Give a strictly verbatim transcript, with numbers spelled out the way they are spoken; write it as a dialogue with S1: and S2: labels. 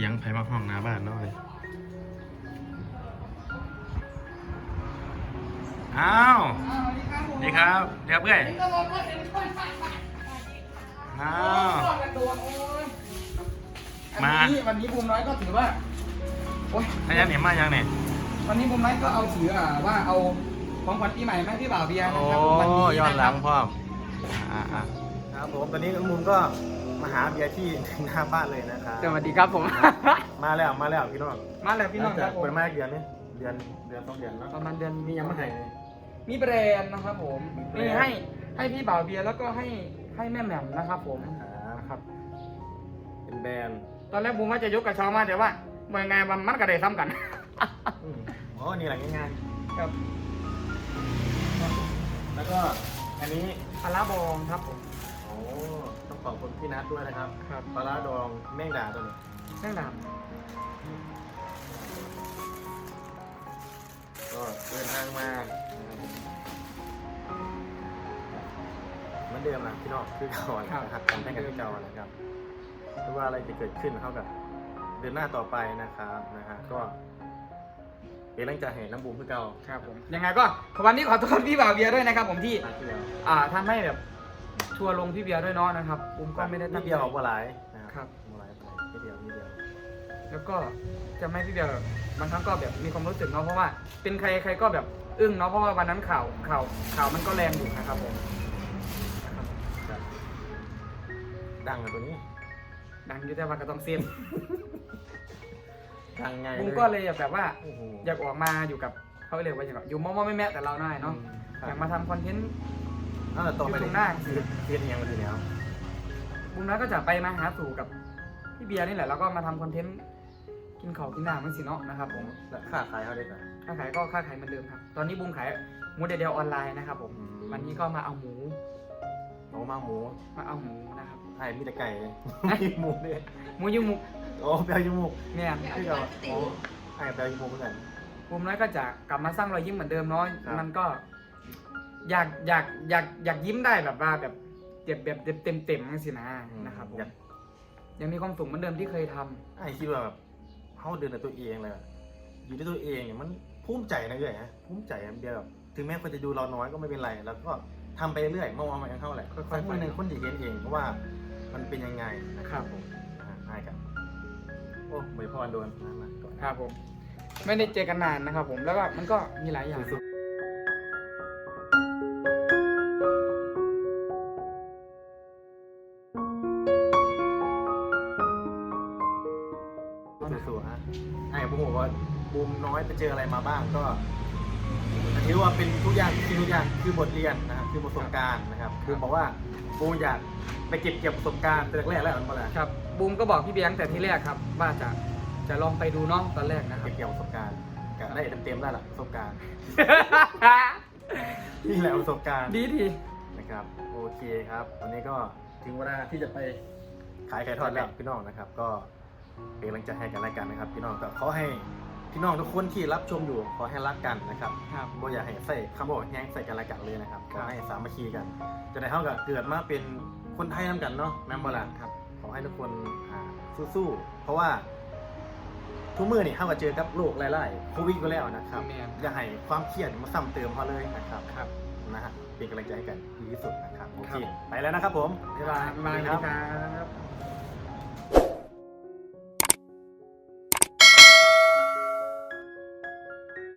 S1: สียงไผมาห้องหน้าบ้านเนาะเลยอ้าวดีครับเดี๋ยวเพื่อนอ้าวมา
S2: วันนี้บูมน้อยก็ถือว่าโอ๊ย
S1: ถ้ายังเนี่ยมายังเนี่ย
S2: วันนี้บูมน้อยก็เอาถืออ่าว่าเอาของขวัญปีใหม่ให้พี่บ่าวเบียร์นะครับ
S1: โอ้
S2: วันนี้
S1: ย้อนหลังพ่อมอ่าอ่า
S3: ครับผมตอนนี้น้องมุมก็มาหาเบียร์ที่หน้าบ้านเลยนะครับ
S2: สวัสดีครับผม
S3: มาแล้วมาแล้วพี่น้อง
S2: มาแล้วพี่น้องครับผม
S3: เปิดมาเดือนนี้เดือนเดือนสองเดือนเนาะ
S2: ประมาณเดือน
S3: มียังไม่ให้
S2: มีแบรนด์นะครับผม
S3: มี
S2: มี
S3: แบรนด์
S2: ให้ให้พี่บ่าวเบียร์แล้วก็ให้ให้แม่แหม่มนะครับผม
S3: ครับ
S2: นะครับ
S3: เป็นแบรนด์
S2: ตอนแรกบูมว่าจะยกกระเช้ามาแต่ว่าเมื่อไงมันมันกระเดซ้ำกัน
S3: อืมอ๋อนี่แหละง่าย
S2: ครับ
S3: ๆแล้วก็อันนี้
S2: ปลาร้าบองครับผม
S3: โอ้ต้องขอบคุณพี่นัทด้วยนะครับ
S2: ครับ
S3: ปลาร้าดองแม่งดาตัวนี้
S2: แม่งด
S3: ก็เดินทางมาเหมือนเดิมนะพี่น้องคือเก่านะครับทำให้กันที่เก่านะครับไม่ว่าอะไรจะเกิดขึ้นเท่ากับเดินหน้าต่อไปนะครับนะฮะก็เป็นแรงใจให้น้ำบูมคือเก่า
S2: ำครับผมยังไงก็วันนี้ขอโทษพี่บ่าวเบียร์ด้วยนะครับผมที่
S3: ทางที่แล้ว
S2: อ่าทำให้แบบทัวร์ลงพี่เบียร์ด้วยเนาะนะครับบูมก็ไม่ได้ตั้ง
S3: นิด
S2: ใจ
S3: เดียวบัวไหลนะ
S2: ค
S3: ค
S2: รั
S3: รับ บัวไหลบัวไหลนิดเดียวนิดเดียว
S2: แล้วก็จะไม่พี่เบียร์แบบบางครั้งก็แบบมีความรู้สึกเนาะเพราะว่าเป็นใครใครก็แบบอึ้งเนาะเพราะว่าวันนั้นข่าวข่าวข่าวมันก็แรงอยู่นะครับผมนะครับ
S3: ครับดังเลยตัวนี้
S2: ดังอยู่แต่ว่าก็ต้องเซฟ
S3: ดังไง
S2: บูมก็เลยแบบว่า
S3: โอ้โห
S2: อยากออกมาอยู่กับเขาเรียกว่าอย่างไรอยู่มอมอแม่แม่แต่เราหน่อยเนาะ
S3: ครับ
S2: อยากมาทำคอนเทนต์
S3: เออต่อไป
S2: อยู่ตรงหน้า
S3: คือเทียนยังมาถึงแล้ว
S2: บูมน้อยก็จะไปมาหาสู่กับพี่เบียร์นี่แหละแล้วก็มาทำคอนเทนต์กินข้าวกินน้ำมันสิเนาะนะครับผม
S3: แล้วค่าขายเขาได้ไหม
S2: ค้าขายก็ค้าขายเหมือนเดิมครับ ตอนนี้บูมขายหมูเดียวๆออนไลน์นะครับผม
S3: อืม
S2: วันนี้ก็มาเอาหมู
S3: หมูมาหมู
S2: มาเอาหมูนะครับ
S3: ไอ้มีแต่ไก่เลยมีหมูเนี่ย
S2: หมูยูหมู
S3: โอ้เปลวจมูก
S2: เนี่ย
S3: คือเราโอ้ไอ้เปลวจมูกเหมือนกัน
S2: บูมน้อยก็จะกลับมาสร้างรอยยิ้มเหมือนเดิมเนาะ
S3: ครับ
S2: มันก็อยากอยากอยากอยากยิ้มได้แบบว่าแบบเจ็บแบบเต็มเต็มๆสินะนะครับผม
S3: อยาก
S2: ยังมีความสุขเหมือนเดิมที่เคยทำ
S3: ไอ้คิดว่าแบบเขาเดินในตัวเองเลยอะอยู่ด้วยตัวเองเนี่ยมันภูมิใจนะเลยฮะภูมิใจอันเดียวแบบถึงแม้คนจะดูเราน้อยก็ไม่เป็นไร แล้วก็ทำไปเรื่อยมองๆมันเท่าไหร่
S2: ค่อยๆ
S3: สักวันหนึ่ง
S2: ไป
S3: คนจะเห็นเองเพราะว่ามันเป็นยังไงนะครับผมนะฮะให้กันโอ้ไม่พอโดนนะมาก่อน
S2: ครับผมไม่ได้เจอกันนานนะครับผมแล้วก็มันก็มีหลายอย่าง
S3: สู้ๆสู้ๆฮะไอ้ผมบอกว่าบูมน้อยไปเจออะไรมาบ้างก็ถือว่าเป็นทุกอย่างที่ทุกอย่างคือบทเรียนนะครับคือประสบการณ์นะครับคือบอกว่าบูมอยากไปเก็บเกี่ยวประสบการณ์แต่แรกๆแล้วมันอะไร
S2: ครับบูมก็บอกพี่เบียร์ตั้งแต่ที่แรกครับว่าจะจะลองไปดูเนาะตอนแรกนะครับ
S3: เก็บเกี่ยวประสบการณ์ก็ได้เต็มๆได้ละประสบการณ์นี่แหละประสบการณ์
S2: ดีดี
S3: นะครับโอเคครับวันนี้ก็ถึงเวลาที่จะไปขายไก่ทอดแล้วพี่น้องนะครับ ก็เป็นกำลังใจให้กันและกันนะครับ พี่น้องก็ขอให้พี่น้องทุกคนที่รับชมอยู่ขอให้รักกันนะครับ
S2: ครับ
S3: บ่อยากให้ใส่คำบอกแย้งใส่กันและกันเลยนะครับขอให้สามัคคีกัน จะได้เท่ากับเกิดมาเป็นคนไทยนำกันเนาะแม่นบ่ล่ะ
S2: ครับ
S3: ขอให้ทุกคนอ่าสู้ๆเพราะว่าทุกมือนี่เท่ากับเจอกับโรคไล่ๆโควิดก็แล้วนะครับ
S2: แม่น
S3: อย่าให้ความเครียดมาซ้ำเติมเขาเลยนะครับ
S2: ครับ
S3: นะฮะเป็นกำลังใจให้กันดีที่สุดนะครับโอ
S2: ครั
S3: เค
S2: บ
S3: ไปแล้วนะครับผม
S2: บ๊ายบายบ๊ายบาย
S3: ครับ
S2: ครับ